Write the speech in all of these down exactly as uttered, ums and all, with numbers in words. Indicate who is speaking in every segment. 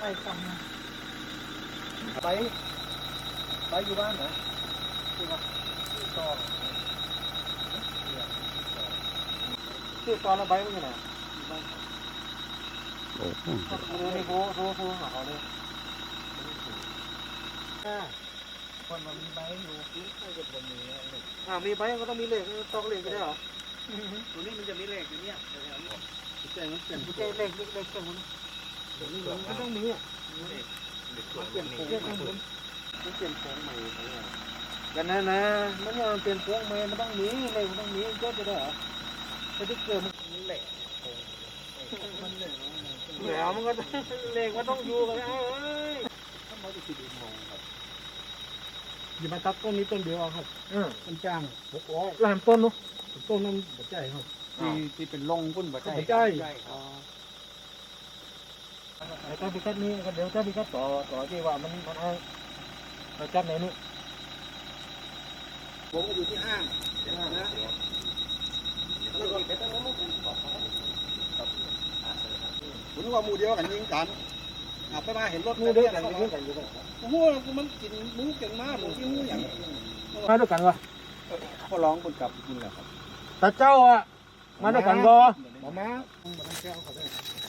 Speaker 1: กล่องนะ
Speaker 2: ไปไปอยู่บ้านเหรอที่ว่าต่อที่ตอนละใบมันยังไงโอ้โหนี่โค้โค้โค้หาเขาเลยคนมันมีใบอยู่ไม่ใช่จะบนนี้อ่ามีใบก็ต้องมีเหล็กตอกเหล็กก็ได้เหรอตัวนี้มันจะมีเหล็กอยู่เนี่ยใจมันเปลี่ยนใจเหล็กเหล็กตรงนี้มันต้องมีอ่ะมันเปลี่ยนโค้งมันเปลี่ยนโค้งใหม่กันนะนะมันยังเปลี่ยนโค้งใหม่มันต้องมีเหล็กมันต้องมีก็จะได้เหรอถ้าที่เกิดมันเหล็กมันเหล็กเหล็กมันก็เหล็กมันต้องอยู่กันเอ้ยทำไมถึงดีมองครับอย่ามาตัดต้นนี้ต้นเดียวครับเออมันจ้างหกร้อยล้านต้นเนาะต้นนั้นหัวใจครับที่ที่เป็นลงพุ่นหัวใจหัวใจแล้วก็พิกัดนี้ก็เดี๋ยวถ้าพิกัดต่อต่อที่ว่ามันมันเอาเราจับไหนนู้นผมก็อยู่ที่ห้างนะผมว่ามูเดียวกันยิงกันไปมาเห็นรถมูเดียวกันยิงกันอยู่กันโอ้โหมันกินมูเก่งมากผมกินมูอย่างมาด้วยกันวะเขาร้องคนกลับกินแหละครับตาเจ้าอ่ะมาด้วยกันก็มามาแก้วเขาได้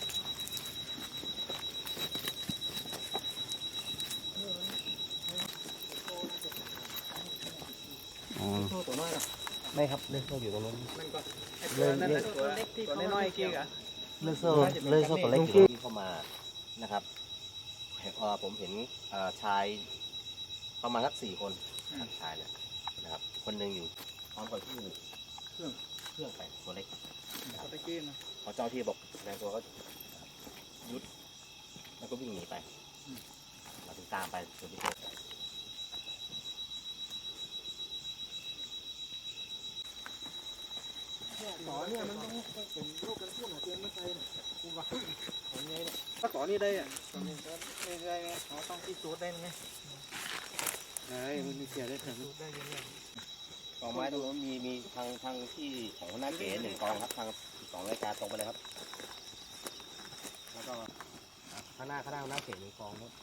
Speaker 2: ไม่ครับเลือกโซ่อยู่ตรงนู้นเลยเลือกตัวตัวน้อยๆกี้อะเลือกโซ่เลือกโซ่ตัวเล็กที่เข้ามานะครับผมเห็นชายประมาณสักสี่คนชายเนี่ยนะครับคนหนึ่งอยู่พร้อมกับที่เครื่องเครื่องไปตัวเล็กตัวเล็กนะพอเจ้าที่บอกแรงตัวก็ยุดแล้วก็วิ่งหนีไปเราถึงตามไปจนที่เจอต่อเนี่ยมันต้องเป็นโรคกันพุ่งหาเตียงไม่ใช่เนี่ยคุณว่าของไงเนี่ยถ้าต่อนี่ได้อ่ะต่อนี่ได้ได้ไงเขาต้องที่สูดได้ไงได้มันมีเสียได้ถึงได้ยังไงกองไม้ตรงนู้นมีมีทางทางที่ของหน้าเก๋หนึ่งกองครับทางสองรายการตรงไปเลยครับแล้วก็ข้างหน้าข้างหน้าหน้าเก๋หนึ่งกองนู้น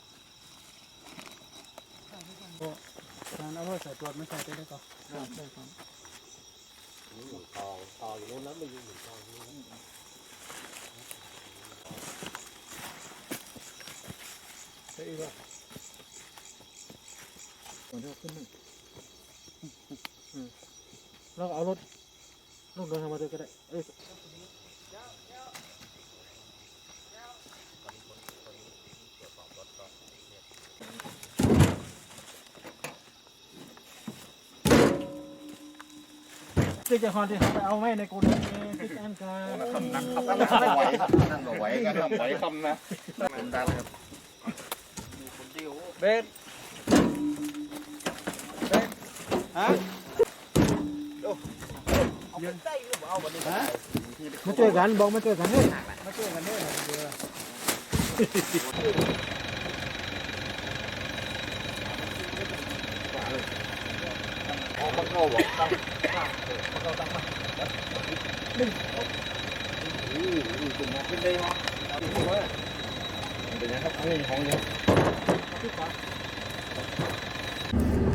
Speaker 2: ทางเอาไว้ใส่ตัวไม่ใส่ได้ก็ได้ครับหนึ่งกองกองอยู่นู้นแล้วไม่อยู่หนึ่งกองนี้ใช่ป่ะก่อนที่จะขึ้นหนึ่งเราเอารถรถเดินทางมาด้วยก็ได้เอ้ยที่จะฮอนที่เขาไปเอาไว้ในกูนี่ที่อันกันคำนักคำนักไหวนั่งไหวกันทำไหวคำนะผมดังครับเบสเบสฮะยืนใจหรือเปล่าวันนี้ฮะมาช่วยกันบอกมาช่วยกันเนี่ยมาช่วยกันเนี่ยเดี๋ยวออกมาเข้าบอกตั้งมาเข้าตั้งมาหนึ่งอู้หูจุ่มมาขึ้นได้ไหมพูดว่าเป็นยังครับอันนี้ของเยอะ